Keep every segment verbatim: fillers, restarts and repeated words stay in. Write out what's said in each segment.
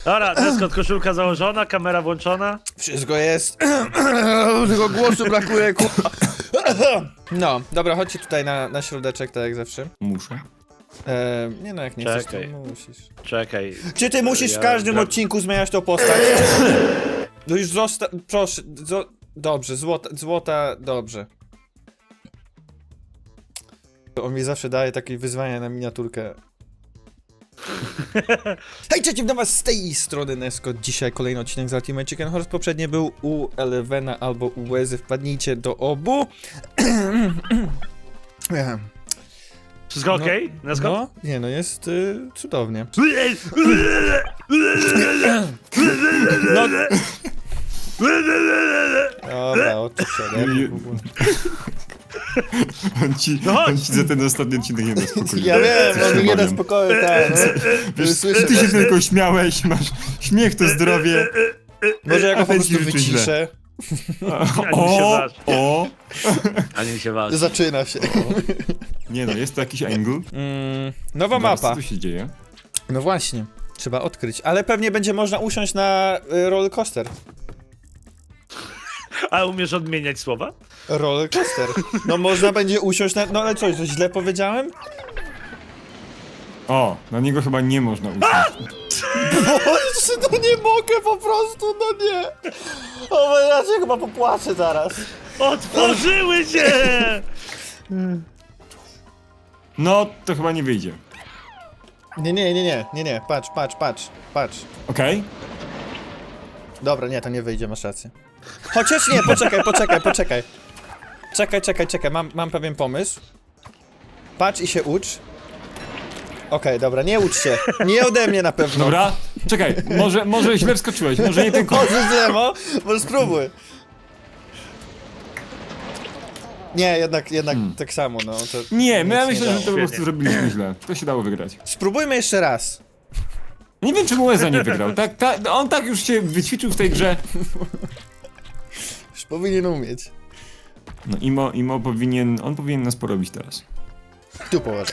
Dobra, Neskot, koszulka założona, kamera włączona. Wszystko jest. Tylko głosu brakuje, kurwa. No, dobra, chodźcie tutaj na, na środeczek, tak jak zawsze. Muszę. E, nie no, jak nie chcesz, Czekaj. to musisz. Czekaj. Czy ty musisz w Ja każdym gra- odcinku zmieniać tą postać? No już zosta... Proszę, zo... dobrze, złota, złota, dobrze. On mi zawsze daje takie wyzwania na miniaturkę. Hej, cześć, witam was z tej strony Neskot. Dzisiaj kolejny odcinek z Ultimate Chicken Horse. Poprzednie był u Elevena albo u Łezy. Wpadnijcie do obu. Wszystko No, okej? Neskot? No, nie no, jest y, cudownie. No. Dobra, odczyszczone. w ogóle. On ci, No chodź. on ci za ten ostatni odcinek nie da spokoju. Ja wiem, Coś on mi nie da powiem. spokoju, tak. No. Wiesz, Słyszę ty się właśnie. tylko śmiałeś, masz śmiech to zdrowie. Może ja go A po prostu będzie życzy źle. wyciszę. Ani mi się O, waż. o. Ani mi się waż. Zaczyna się. Nie no, jest to jakiś angle. Mm, nowa Zaraz, mapa. Co tu się dzieje? No właśnie, trzeba odkryć. Ale pewnie będzie można usiąść na y, roller coaster. A umiesz odmieniać słowa? Roller coaster. No można będzie usiąść na... No ale coś, coś źle powiedziałem? O, na niego chyba nie można usiąść. Boże, no nie mogę po prostu, no nie. O, ja się chyba popłaczę zaraz. Otworzyły się! No, to chyba nie wyjdzie. Nie, nie, nie, nie, nie, nie, patrz, patrz, patrz, patrz. Okej? Dobra, nie, to nie wyjdzie, masz rację. Chociaż nie, poczekaj, poczekaj, poczekaj. Czekaj, czekaj, czekaj, mam, mam pewien pomysł. Patrz i się ucz. Okej, dobra, nie ucz się. Nie ode mnie na pewno. Dobra, czekaj, może, może źle wskoczyłeś, może nie ten kąt. Może zemo, może spróbuj. Nie, jednak, jednak Hmm. tak samo, no. To Nie, my ja nic myślę, dało. że to po prostu Świetnie. zrobiliśmy źle. To się dało wygrać. Spróbujmy jeszcze raz. Nie wiem, czemu Łeza nie wygrał. Tak, tak, on tak już się wyćwiczył w tej grze. Już powinien umieć. No Imo, Imo powinien, on powinien nas porobić teraz. Tu położę.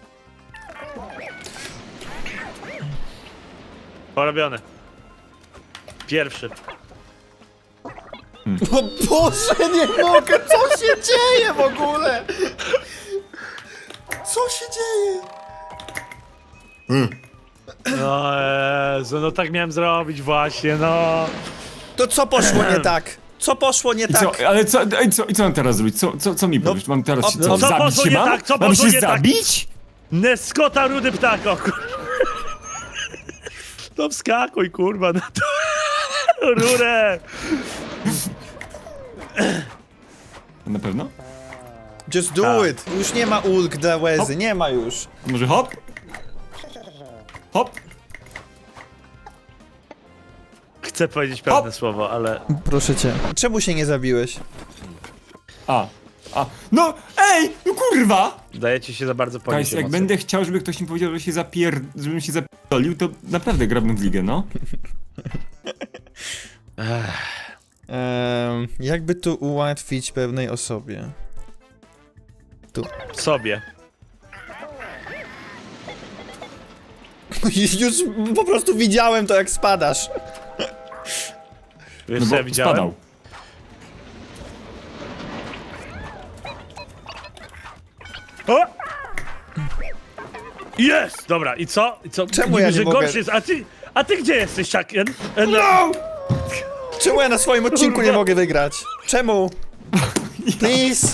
Porobione. Pierwszy. O Boże, nie mogę! Co się dzieje w ogóle? Co się dzieje? No Jezu, no tak miałem zrobić właśnie, no. To co poszło nie tak? Co poszło nie I tak? co, ale co, i co, i co mam teraz zrobić? Co, co, co mi powiesz? Mam teraz o, się no co, co zabić poszło się nie mam? tak? Co mam poszło się nie tak? zabić? Neskota, rudy ptak, o kur... To wskakuj, kurwa, na to rurę. Na pewno? Just do Tak. it! Już nie ma ulg dla Łezy, nie ma już. Może hop? Hop? Chcę powiedzieć pewne Hop. słowo, ale... Proszę cię. Czemu się nie zabiłeś? A, a, no, ej, no kurwa! Dajecie się za bardzo Guys, ponieść jak emocje. będę chciał, żeby ktoś mi powiedział, że się zapier... żebym się zapierdolił, to naprawdę grabnę w ligę, no. Um, jakby tu ułatwić pewnej osobie? Sobie. Już po prostu widziałem to, jak spadasz. Wiesz No co ja bo widziałem? spadał. O! Jest! Dobra, i co? I co? Czemu Niby, ja nie że mogę? gorszy jest, a ty, a ty gdzie jesteś, Chucken? E, no. No! Czemu ja na swoim odcinku nie Kurwa. mogę wygrać? Czemu? Please!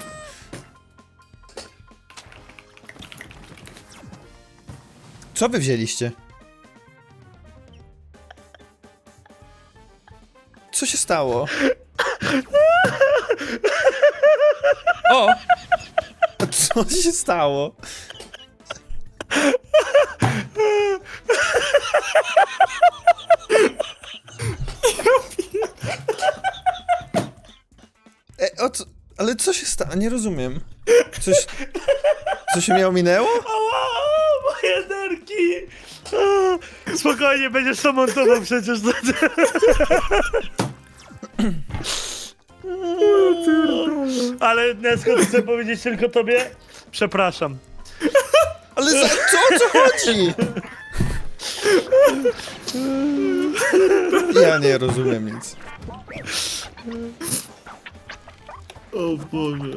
Co wy wzięliście? Co się stało? O! Co się stało? E, o co? Ale co się stało? Nie rozumiem. Coś... Co się mnie ominęło? Ała, moje nerki! A, spokojnie, będziesz to montował przecież. Ale Neskot, chcę powiedzieć tylko tobie, przepraszam. Ale za co, o co chodzi? Ja nie rozumiem nic. O Boże.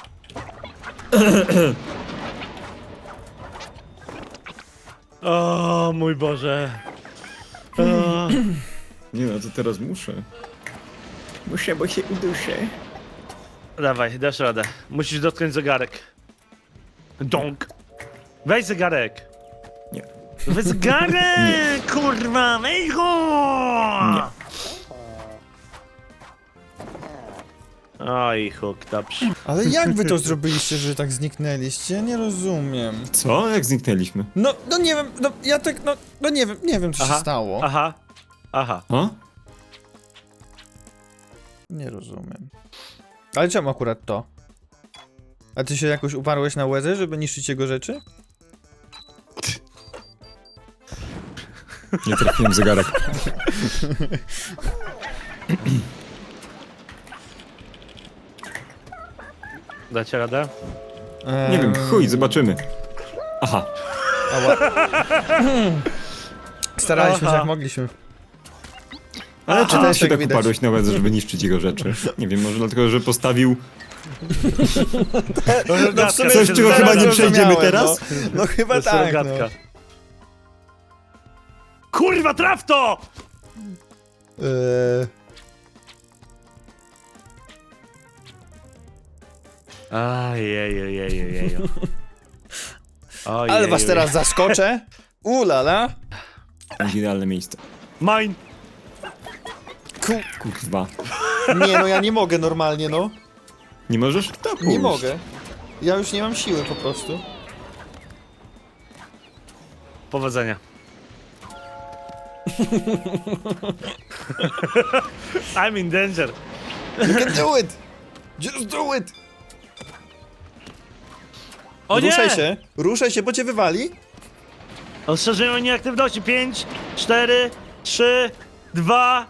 O mój Boże. O, Nie no, to teraz muszę. Muszę, bo się uduszę. dawaj, dasz radę. Musisz dotknąć zegarek. Donk. Weź zegarek. Nie. Weź zegarek, kurwa, weź go! Nie. Oj, huk, dobrze. Ale jak wy to zrobiliście, że tak zniknęliście? Ja nie rozumiem. Co? Jak zniknęliśmy? No, no nie wiem, no ja tak, no, no nie wiem, nie wiem co Aha, się stało. Aha, aha. A? Nie rozumiem. Ale czemu akurat to? A ty się jakoś uparłeś na łezę, żeby niszczyć jego rzeczy? Nie trafiłem w zegarek. Dacie radę? Eee, Nie wiem, chuj, zobaczymy. Aha. Staraliśmy się Aha. jak mogliśmy. Ale Aha, czy ty się tego tak widać. uparłeś na łezę, żeby niszczyć jego rzeczy? Nie wiem, może dlatego, że postawił... No, w sumie Coś, czego teraz chyba nie zrozumiałem, przejdziemy teraz? No, no chyba tak, no. Kurwa, traf to! Eee, Ajajajajajaj. ale was teraz zaskoczę. Ulala. Będzie idealne miejsce. Mine! Ku... Kurwa. Nie no, ja nie mogę normalnie, no. Nie możesz? To Nie pójść. mogę. Ja już nie mam siły po prostu. Powodzenia. I'm in danger. You can do it! Just do it! O nie! Ruszaj się, ruszaj się, bo cię wywali. Ostrzeżenie o nieaktywności. pięć, cztery, trzy, dwa...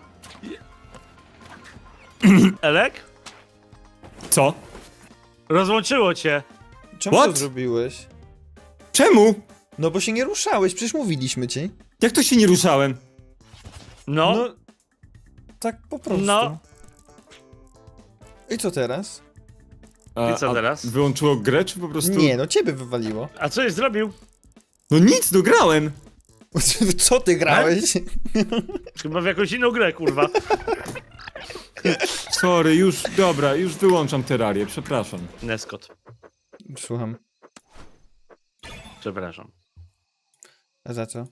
Elek? Co? Rozłączyło cię. Czemu What? to zrobiłeś? Czemu? No bo się nie ruszałeś, przecież mówiliśmy ci. Jak to się nie ruszałem? No. No, tak po prostu. No. I co teraz? A, I co a teraz? Wyłączyło grę, czy po prostu... Nie, no ciebie wywaliło. A co jest zrobił? No nic, dograłem! Co ty grałeś? Chyba w jakąś inną grę, kurwa. Sorry, już, dobra, już wyłączam terrarię, przepraszam. Neskot. Słucham. Przepraszam. A za co?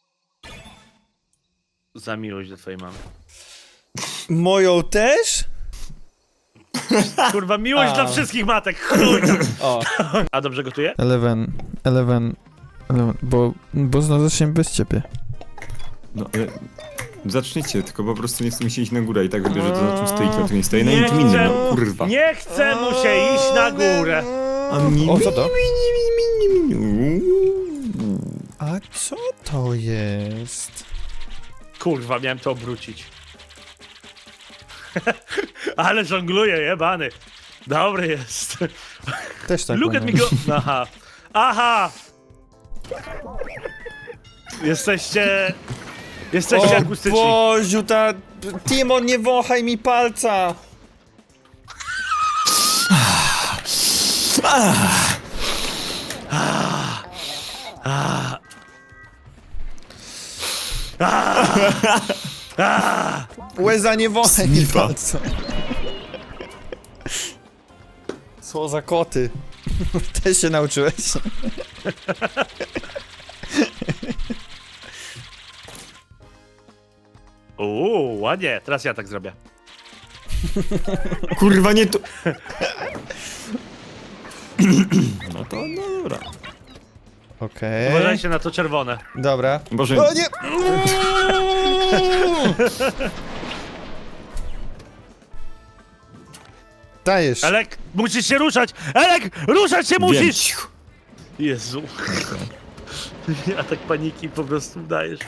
Za miłość do twojej mamy. Moją też? Kurwa, miłość A. dla wszystkich matek, chuj tam. O. A dobrze gotuje? Eleven, Eleven, Eleven, bo, bo znowu zaczniemy bez ciebie. No, ale... Zaczniecie, tylko po prostu nie chcę mi się iść na górę i tak wybierze to, na czym stoi, kto tu nie stoi, na Nie niczym innym, chcę- no kurwa. Nie chce mu się iść na górę. A mi... O, co to? mi- A co to jest? Kurwa, miałem to obrócić. Ale żongluje, jebany. Dobry jest. Też tak Look at me umiem. go. Aha. Aha. Jesteście... Jesteście O akustyczni. Boziu, ta... Timo, nie wąchaj mi palca! Łeza, nie wąchaj mi Snifa. palca. Co za koty. Też się nauczyłeś. Uuu, ładnie. Teraz ja tak zrobię. Kurwa, nie to... No to dobra. Okej. Uważajcie na to czerwone. Dobra. Boże, O nie! Dajesz. Elek, musisz się ruszać! Elek, ruszać się wiem. musisz! Jezu. Atak paniki po prostu dajesz.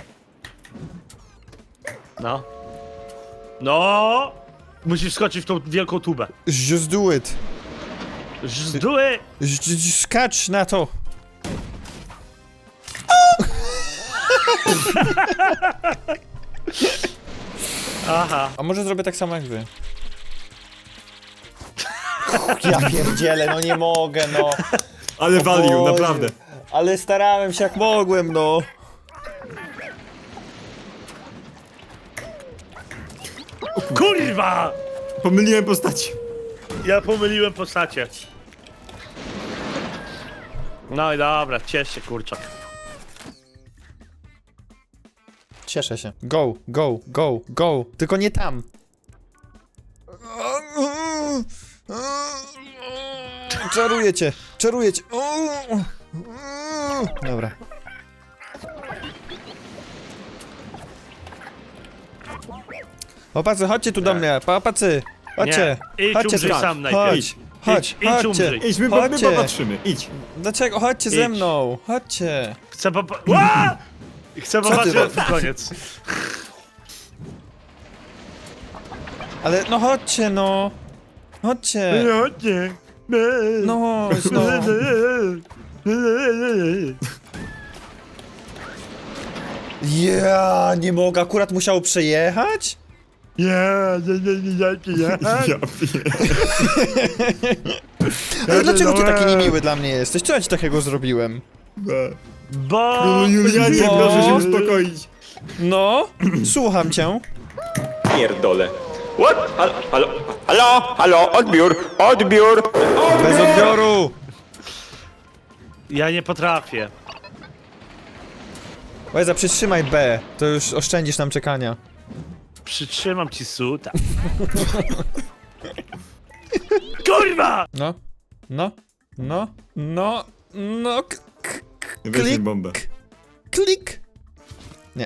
No. No! Musisz skoczyć w tą wielką tubę. Just do it. Żduły! Ż- ż- Skacz na to. Aha. A może zrobię tak samo jak wy? Ja pierdzielę, no nie mogę, no. Ale value, Boże. naprawdę. Ale starałem się jak mogłem, no. Kurwa! Pomyliłem postaci. Ja pomyliłem postacie. No i dobra, ciesz się, kurczak. Cieszę się. Go, go, go, go. Tylko nie tam. Czaruję cię, czaruję cię. Dobra. Chłopacy, chodźcie tu do mnie, papacy. Chodźcie, Nie, idź chodźcie umrzyj tu. sam najpierw. Chodź, Idź, chodź, idź, idź chodźcie. umrzyj. Idź, my, my Chodźcie. popatrzymy, idź. Dlaczego? Chodźcie ze Idź. mną, chodźcie. Chcę popa... Ła! Chcę popatrzeć na ten koniec. Ale no chodźcie, no. Chodźcie. Chodźcie. No, chodź, no. Ja nie mogę, akurat musiało przejechać? Ja, nie, nie, nie, nie, Ja nie. pier... Ale dlaczego ty taki niemiły dla mnie jesteś? Co ja ci takiego zrobiłem? Bo... No Julianie, Bo- proszę się uspokoić. No, słucham cię. Pierdolę. What? Halo, halo, halo, halo, odbiór, odbiór. Bez odbioru. Ja nie potrafię. Łeza, przytrzymaj B, to już oszczędzisz nam czekania. Przytrzymam ci suta. Kurwa! No, no, no, no, no, k- k- Weź mi Klik. bombę. klik. Nie.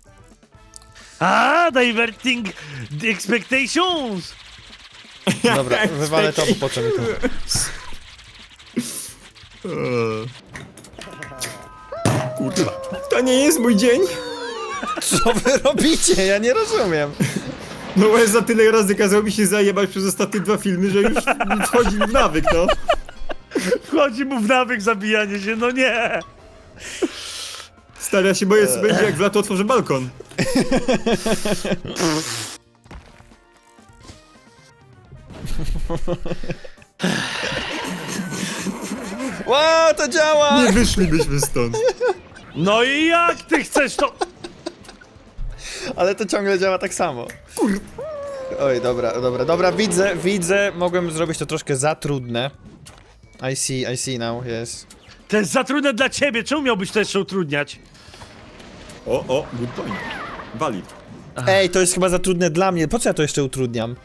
A, diverting the expectations! Dobra, wywalę to, bo po co mi to? Eee. Kurwa. To nie jest mój dzień. Co wy robicie? Ja nie rozumiem. No Łez za tyle razy kazał mi się zajebać przez ostatnie dwa filmy, że już wchodzi w nawyk, no. Wchodzi mu w nawyk zabijanie się, no nie! Stary, ja się boję, co będzie jak w lato otworzę balkon. Ła, to działa! Nie wyszlibyśmy stąd. No i jak ty chcesz to... Ale to ciągle działa tak samo. Oj, dobra, dobra, dobra, widzę, widzę, mogłem zrobić to troszkę za trudne. I see, I see now, yes. To jest za trudne dla ciebie, czemu miałbyś to jeszcze utrudniać? O, o, good point. Valid. Ej, to jest chyba za trudne dla mnie, po co ja to jeszcze utrudniam?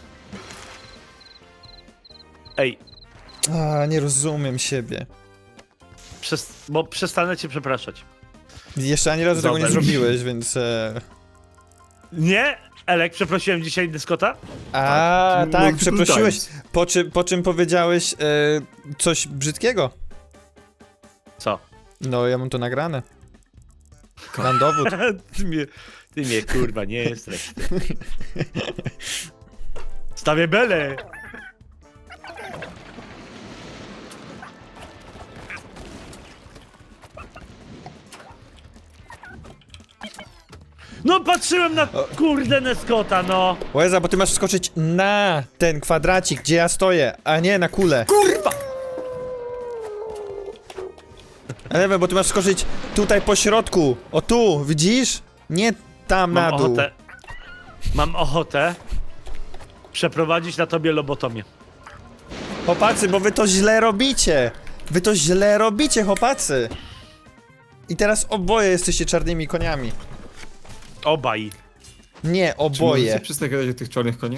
Ej, A, nie rozumiem siebie. przez... bo przestanę cię przepraszać. Jeszcze ani razu tego nie Zobacz. zrobiłeś, więc... E... Nie? Elek, przeprosiłem dzisiaj Dyskota? A, Tak, tak, multiple przeprosiłeś, times. po, czy, po czym powiedziałeś e, coś brzydkiego. Co? No, ja mam to nagrane. Mam dowód. ty mnie, ty mnie kurwa nie jesteś. Stawię belę! No patrzyłem na kurde Neskota, no! Łeza, bo ty masz skoczyć na ten kwadracik, gdzie ja stoję, a nie na kulę. Kurwa! Ale wiem, bo ty masz skoczyć tutaj po środku. O tu, widzisz? Nie tam Mam na dół. ochotę. Mam ochotę przeprowadzić na tobie lobotomię. Chłopacy, bo wy to źle robicie. Wy to źle robicie, chłopacy. I teraz oboje jesteście czarnymi koniami. Obaj. Nie, Czy możecie oboje. przestać gadać o tych czarnych koniach?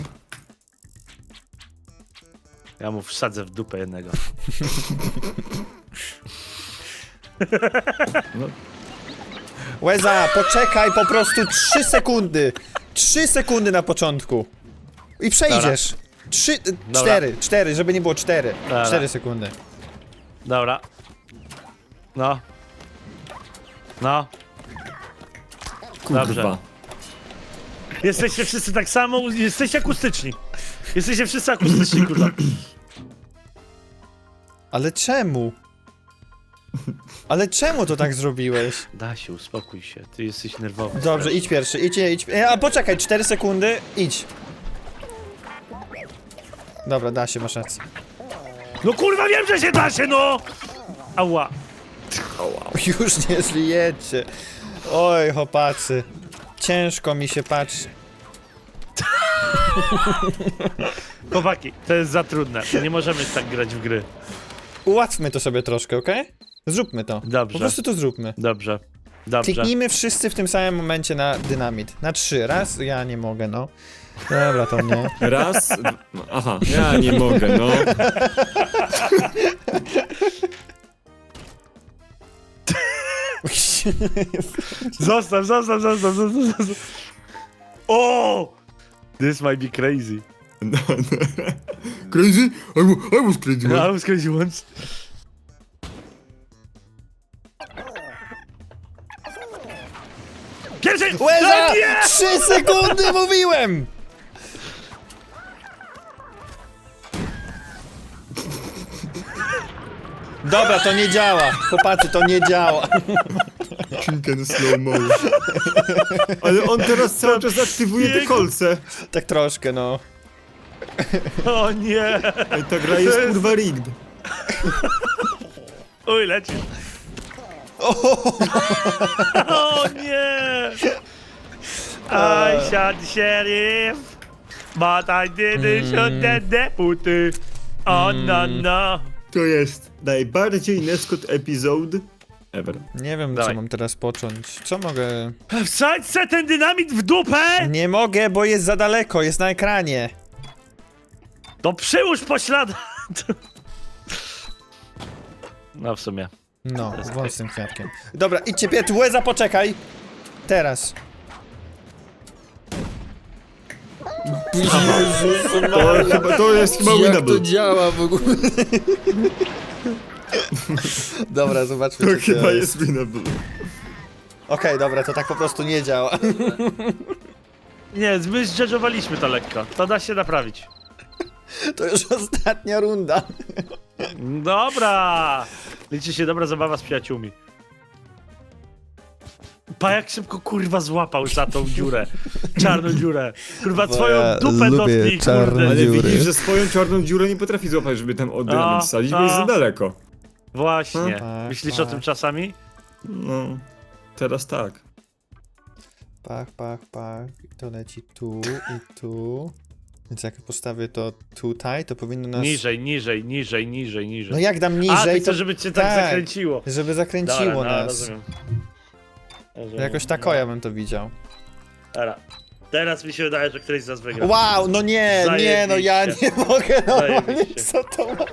Ja mu wsadzę w dupę jednego. No, Łeza, poczekaj po prostu trzy sekundy. Trzy sekundy na początku. I przejdziesz. Trzy, cztery, cztery, żeby nie było cztery. Dobra. Cztery sekundy. Dobra. No. No. kurwa. Dobrze. Jesteście wszyscy tak samo, jesteście akustyczni. Jesteście wszyscy akustyczni, kurwa. Ale czemu? Ale czemu to tak zrobiłeś? Dasiu, uspokój się, ty jesteś nerwowy. Dobrze, idź pierwszy, idź, idź. E, A poczekaj, cztery sekundy, idź. Dobra, da się, masz rację. No kurwa, wiem, że się da się, no! Ała. Już nie żyjecie. Oj, chłopacy. Ciężko mi się patrzy. Chłopaki, to jest za trudne. Nie możemy tak grać w gry. Ułatwmy to sobie troszkę, okej? Zróbmy to. Dobrze. Po prostu to zróbmy. Dobrze. Dobrze. Kliknijmy wszyscy w tym samym momencie na dynamit. Na trzy. Raz, ja nie mogę, no. Dobra, to nie. Raz, d- aha, ja nie mogę, no. Zostaw, zostaw, zostaw, zostaw, zostaw. O! This might be crazy. Crazy? I, wa- I was crazy. I was crazy once. Pierwszy! Łeza! No nie! Trzy sekundy mówiłem! Dobra, to nie działa. Chłopacy, to nie działa. Chicken slow mo. Ale on teraz cały czas aktywuje te Jego- kolce. Tak troszkę, no. O nie! Ej, ta gra jest kurwa rigged. Uj, leci. O nie! I shot the sheriff, but I didn't shoot the deputy. Oh no no. To jest najbardziej Neskot episode ever. Nie wiem, Dawaj. co mam teraz począć. Co mogę... Wsadź se ten dynamit w dupę! Nie mogę, bo jest za daleko, jest na ekranie. To przyłóż poślad. No w sumie. No, włącz z tym kwiatkiem. Dobra, idźcie piet, łeza, poczekaj. Teraz. Jezus, To, chyba, to jest chyba winnable. działa w ogóle? Dobra, zobaczmy, To co chyba to jest winnable. Okej, dobra, to tak po prostu nie działa. Nie, my zdżedżowaliśmy to lekko. To da się naprawić. To już ostatnia runda. Dobra! Liczy się dobra zabawa z przyjaciółmi. Pa jak szybko kurwa złapał za tą dziurę. Czarną dziurę. Kurwa Bo twoją ja dupę lubię dotknij, czarne kurde. Ale dziury. widzisz, że swoją czarną dziurę nie potrafi złapać, żeby tam od dynamit wsadzić, bo jest za daleko. Właśnie. Tak, Myślisz o tak. tym czasami? No, teraz tak. Pach, pach, pach. I to leci tu i tu. Więc jak postawię to tutaj, to powinno nas... Niżej, niżej, niżej, niżej, niżej. No jak dam A, niżej, ty to... chcesz, żeby cię tak, tak. zakręciło. Żeby zakręciło Dobra, no, nas. rozumiem. rozumiem. Jakoś tako ja bym to widział. Dobra. Teraz mi się wydaje, że któryś z nas wygra. Wow, no nie, nie, no ja nie mogę normalnie, Zajebiście. co to ma?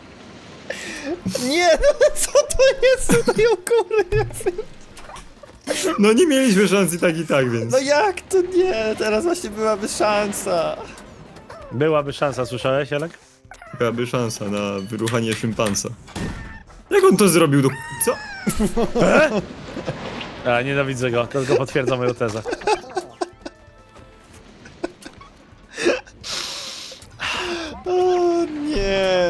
Nie, no co to jest tutaj u góry? No nie mieliśmy szans i tak i tak, więc. No jak to nie? Teraz właśnie byłaby szansa. Byłaby szansa, słyszałeś, Elek? Byłaby szansa na wyruchanie szympansa. Jak on to zrobił do... Co? A, nienawidzę go, to tylko potwierdza moją tezę. O nie.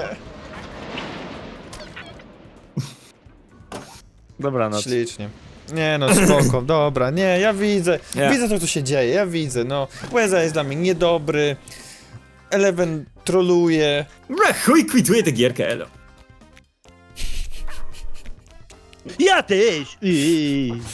Dobra, no. Ślicznie. Nie no, spoko, dobra, nie, ja widzę, Nie. widzę to, co się dzieje, ja widzę, no. Łeza jest dla mnie niedobry, Eleven troluje. Bra, chuj, kwituję tę gierkę, elo. Ja też!